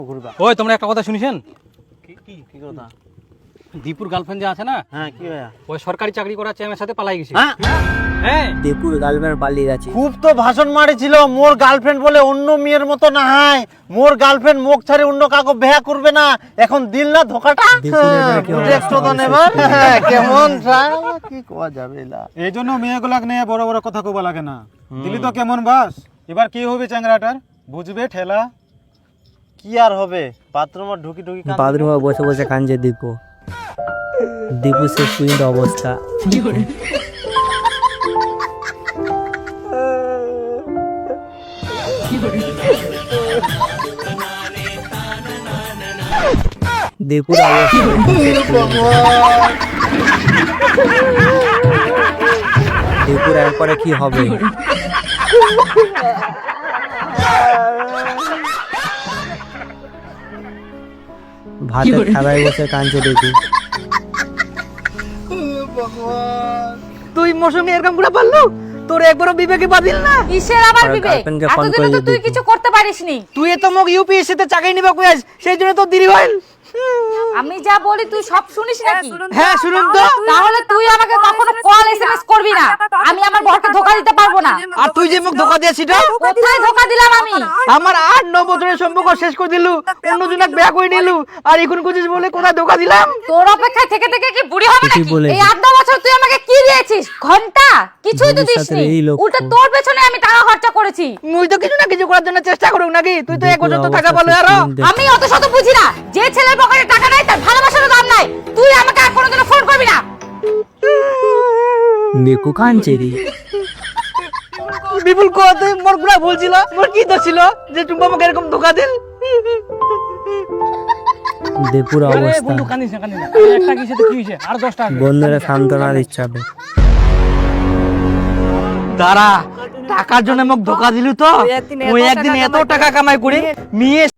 ওই তোমরা একটা কথা শুনিছেন? কি কথা? দীপুর গার্লফ্রেন্ড যে আছে না, হ্যাঁ কি ভাইয়া? ওই সরকারি চাকরি করার চেমের সাথে পালাই গেছে। হ্যাঁ দীপুর গার্লফ্রেন্ড পালিয়ে গেছে। খুব তো ভাষণ মারিছিল, মোর গার্লফ্রেন্ড বলে অন্য মেয়ের মতো না হয়, মোর গার্লফ্রেন্ড মুখ ছাড়ে অন্য কাউকে বিয়ে করবে না। এখন দিল না ধোকাটা। কেমন কি কোয়া যাবে না, এই জন্য মেয়েগুলাকে নিয়ে বড় বড় কথা কবা লাগে না। দিলি তো কেমন বাস, এবার কি হবে চ্যাংরাটার বুঝবে ঠেলা। কি আর হবে, বাথরুমে ঢুকি ঢুকি বাথরুমে বসে বসে কাঁদছে দীপু। দীপু শেষ পর্যন্ত অবস্থা। দীপুর দীপুর এরপরে কি হবে? ভাতের থালায় বসে কাঁদছে দীপু। তুই মোর সঙ্গে এরকম করে পারলো? তোর একবারও বিবেকে বাদিল না? কিসের আবার আর বিবেক? গার্লফ্রেন্ডকে ফোন এতদিনে করে তো তুই দিবি। কিছু করতে পারিসনি। তুই তো মোক ইউপিএসসি তে চাকরি নিবা কইয়াস, সেই জন্য তো দেরি হইল। আমি যা বলি তুই সব শুনিস নাকি? হ্যাঁ শুনুন তো। তাহলে তুই আমাকে কখনো কল এসএমএস করবি না। আমি আমার বরকে ধোকা দিতে পারবো না। আর তুই যে মোক ধোকা দিয়েছিস, কোথায় ধোকা দিলাম আমি? আমার 8-9 বছরের সম্পর্ক শেষ করে দিলু, অন্যজনক বিয়ে করে নিলু, আর এখন কুচিস বলে কোথায় ধোকা দিলাম? তোর অপেক্ষায় থেকে থেকে কি বুড়ি হবে ঠিকই নাকি? বলেছিস। এই 8-9 বছর তুই আমাকে কি দিয়েছিস? ঘন্টা? কিছুই তো ভবিষ্যতের দিসনি। এই লক্ষ্য। উল্টো তোর পেছনে আমি টাকা খরচা করেছি। মুই তো কিছু না কিছু করার জন্য চেষ্টা করুক নাকি? তুই তো 1 বছর তো দীপুর টাকা অবস্থা পালো শেষ আরো। পর্যন্ত। আমি অত শত বুঝি না। যে ছেলের পকেটে টাকা নাই তার ভালোবাসারও দাম নাই। তুই আমাকে আর কোনোদিনও ফোন করবি না। দীপু কাঁদছে রে। বিপুল কো তুই মোর পুরা ভুল ছিল, মোর কি দোষ ছিল যে তুমি আমাকে এরকম ধোকা দিল? দীপুর আরে অবস্থা। বন্ধু কান্দিস না, কান্দিস না। একটা কিসে তো কি হইছে? আর 10টা বন্ধুরা সান্ত্বনা দিচ্ছে হবে। দাঁড়া, টাকার জন্য মোক ধোকা দিলু তো? ওই একদিন এত টাকা কামাই করে মেয়ে